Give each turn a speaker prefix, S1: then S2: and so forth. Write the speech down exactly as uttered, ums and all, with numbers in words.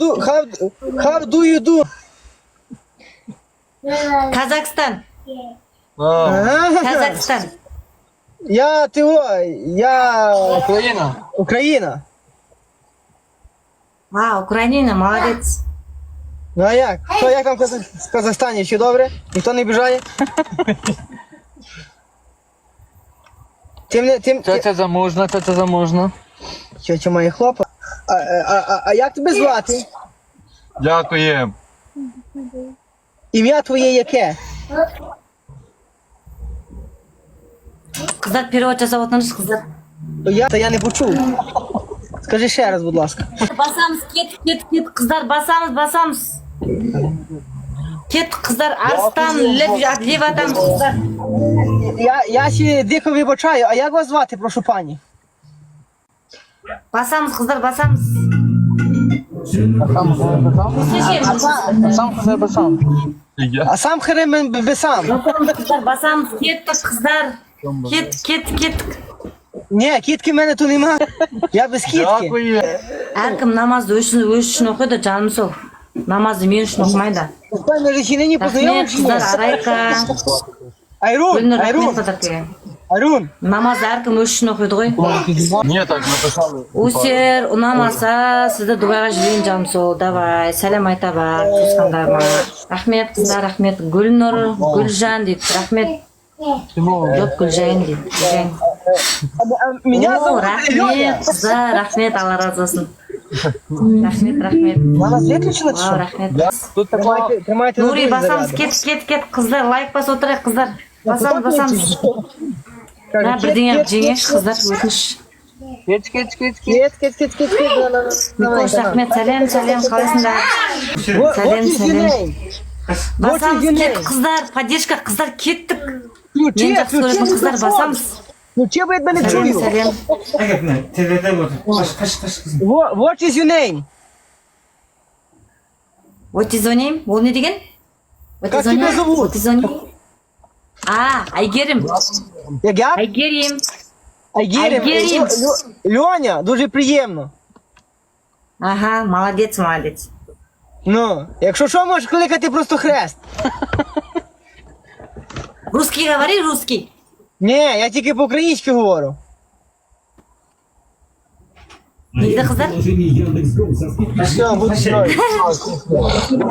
S1: do, how, how do you do?
S2: Казахстан.
S1: А,
S2: Казахстан.
S1: Я, ти, о, я,
S3: Україна.
S1: Україна.
S2: А, Україна, молодець.
S1: Ну а як? Що, як там в Казах- в Казахстані? Ще добре? Ніхто не бажає? Тим, не- тим,
S3: Тетя заможна, тетя заможна.
S1: Тьотя має хлопа. А, а, а, а як тебе звати?
S3: Дякуємо.
S1: Ім'я твоє яке?
S2: Қыздар перевод жасап отырыңыз, қыздар.
S1: Я, та я не почув. Скажи ще раз, будь ласка.
S2: Басамыз, кеттік, кеттік, кеттік, қыздар, басамыз, басамыз. Кеттік, қыздар, арыстан, леп, леп атамыз, қыздар.
S1: Я, я ще дико вибачаю, а як вас звати, прошу пані?
S2: Басамыз, қыздар, басамыз.
S3: Сам қызар басам.
S1: А сам херем би сам.
S2: Басамыз, қыздар, басамыз, кеттік, қыздар. Кеттік, кеттік, кеттік.
S1: Ні, кітки в мене тут нема. Я без кітки.
S3: Дякую.
S2: Әркім намазды өз үшін, өз үшін оқиды, жаным сол. Намазды мен үшін оқымайды.
S1: Ми же ще нині
S2: Рахмет,
S1: познайомилися.
S2: қыздар, Арайка.
S1: Айрун,
S2: Гүлнұр, рахмет,
S1: Айрун,
S2: қыздар.
S1: Айрун.
S2: Намазды әркім өз үшін оқиды ғой.
S3: Ні, так написали.
S2: Өсер, ұнамаса, сізді Дубайға жіберейін, жаным сол. Давай, сәлем айта бар, туысқандарыма. Рахмет, қыздар, рахмет. Гүлнұр, Гүлжан дейді, рахмет. Жоқ, Гүлжайын дейді, Гүлжайын.
S1: Меня
S2: О,
S1: зовут Леня.
S2: рахмет, қыздар, рахмет, Алла разы болсын. Рахмет, рахмет.
S1: Вона виключила чи
S2: Вау,
S1: що?
S2: рахмет.
S3: Тут така
S1: Тримайте, тримайте
S2: Нури,
S1: на
S2: басамыз,
S1: заряду.
S2: кет, кет, кет, қыздар, лайк бас отырайық, қыздар. Басамыз, басамыз.
S1: Каже,
S2: Да,
S1: кет,
S2: бірдеңе
S1: кет,
S2: жеңеш, қыздар, өтініш.
S3: кеч, кеч, кеч, кеч.
S1: Кет, кет, кет, кет, кет. Да, да, да. Давай,
S2: Микош,
S1: давай.
S2: рахмет, сәлем, сәлем, қалайсыңдар?
S1: What-
S2: Сәлем,
S1: what is your
S2: сәлем.
S1: name?
S2: Басамыз,
S1: your
S2: кеттік,
S1: name?
S2: қыздар, поддержка, қыздар, кеттік.
S1: Ключі,
S2: Мен жақсы
S1: ключі
S2: көретін қыздар,
S1: микрофон.
S2: басамыз.
S1: Ключі, бо я тебе не
S2: Сәлем,
S1: чую.
S2: сәлем.
S4: Әкетіне, теледе отыр. Қаш, қаш, қаш, қызым.
S1: What what is your name?
S2: What is your name? Ол не деген? What
S1: Как
S2: is your
S1: тебя
S2: name?
S1: зовут?
S2: What is your name? А, Айгерім.
S1: Як я?
S2: Айгерім.
S1: Айгерім.
S2: Айгерім.
S1: Лю- Лю- Льоня, дуже приємно.
S2: Ага, молодець, молодець.
S1: Ну, якщо що, можеш кликати просто хрест.
S2: Русский говори, русский.
S1: Ні, я тільки по-українськи говорю.
S2: Не дейді қыздар?
S1: Все, будь здорові.